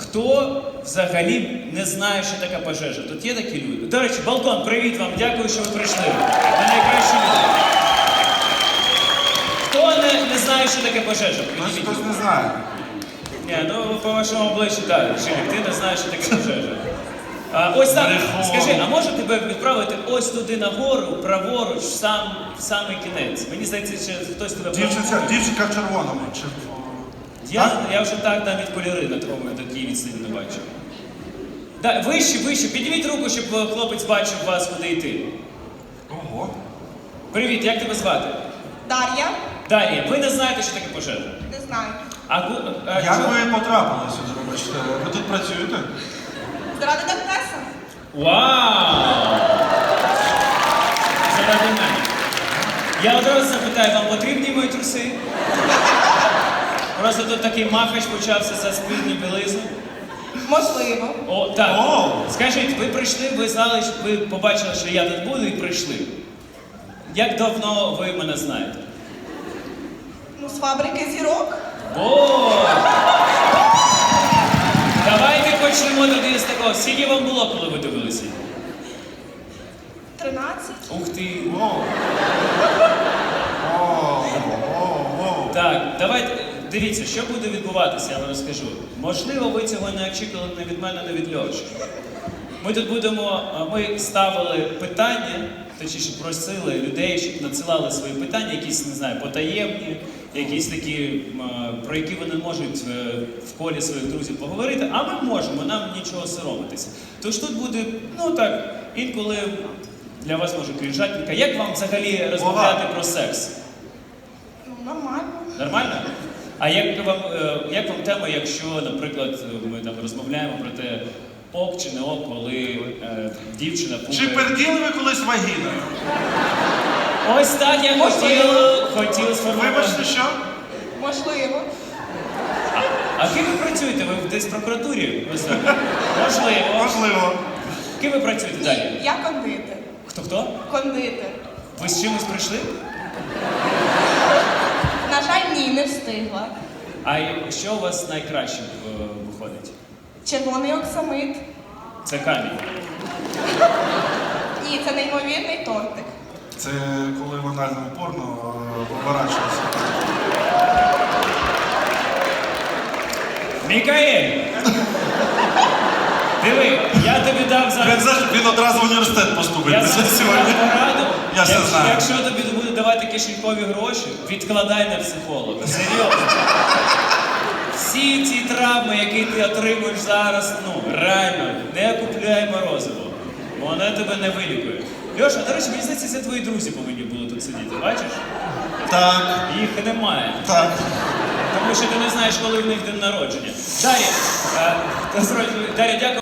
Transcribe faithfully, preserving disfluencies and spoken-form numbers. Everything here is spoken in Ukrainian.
хто взагалі не знає, що таке пожежа? Тут є такі люди? До речі, Балкон, привіт вам, дякую, що ви прийшли. Ви найкращі люди. Хто не, не знає, що таке пожежа? Хтось, хтось не знає. Ні, ну по вашому обличчю так, Жилік, ти не знаєш, що таке пожежа. А, ось так, скажи, а може тебе відправити ось туди нагору, праворуч, в сам, в самий кінець? Мені здається, що хтось тебе Дівчинка, дівчинка в червоному. Чи... Я, я вже так навіть кольори на такому такій відстані не бачу. Да, вище, вище, підніміть руку, щоб хлопець бачив вас, куди йти. Ого. Привіт, як тебе звати? Дар'я? Дар'я, ви не знаєте, що таке пожежа? Не знаю. А, ку- а Як чому- ви потрапили сюди, вибачте? Ви тут працюєте? Заради Дантеса? Вау! Заради мене. Я одразу запитаю, вам потрібні мої труси? Просто тут такий махач почався за спільну білизну. Можливо. О, так. О! Скажіть, ви прийшли, ви знали, що ви побачили, що я тут буду і прийшли. Як давно ви мене знаєте? Ну, з фабрики зірок. О! Давайте почнемо тоді з такого. Скільки вам було, коли ви дивилися? Тринадцять. Ух ти! О. О, о, о. Так, давайте, дивіться, що буде відбуватися, я вам розкажу. Можливо, ви цього не очікували не від мене, не від Льоші. Ми тут будемо, ми ставили питання, точніше просили людей, щоб надсилали свої питання, якісь, не знаю, потаємні, якісь такі, про які вони можуть в колі своїх друзів поговорити, а ми можемо, нам нічого соромитися. Тож тут буде, ну так, інколи для вас може крінжатненька. Як вам взагалі розмовляти про секс? Ну, нормально. Нормально? А як вам, е, як вам тема, якщо, наприклад, ми там розмовляємо про те, ок чи не ок, коли е, дівчина Чи пукає? перділи ви колись вагіною? Ось так я хотів, хотів сформувати. Вибачте, що? Можливо. А ким ви працюєте? Ви десь в прокуратурі? Ось так. Можливо. Можливо. Ким ви працюєте далі? Ні, я кондитер. Хто-хто? Кондитер. Ви з чимось прийшли? На жаль, ні, не встигла. А що у вас найкраще е, виходить? Червоний оксамит. Це камінь. Ні, це неймовірний тортик. Це коли в анальному порно е, поворачується. Мікаель! Диви, я тобі дав зараз... Він, знаєш, він одразу в університет поступить Я після тобі сьогодні. дав пораду. Я все Якщо, знаю. якщо тобі буде давати кишенькові гроші, відкладай на психолога. Серйозно. Всі ці травми, які ти отримуєш зараз, ну, реально, не купляй морозиво. Воно тебе не вилікує. Льоша, до речі, мені здається, це твої друзі повинні були тут сидіти, бачиш? Так, Їх немає. так. Тому що ти не знаєш, коли в них день народження. Дар'я, е, Дар'я, дякую.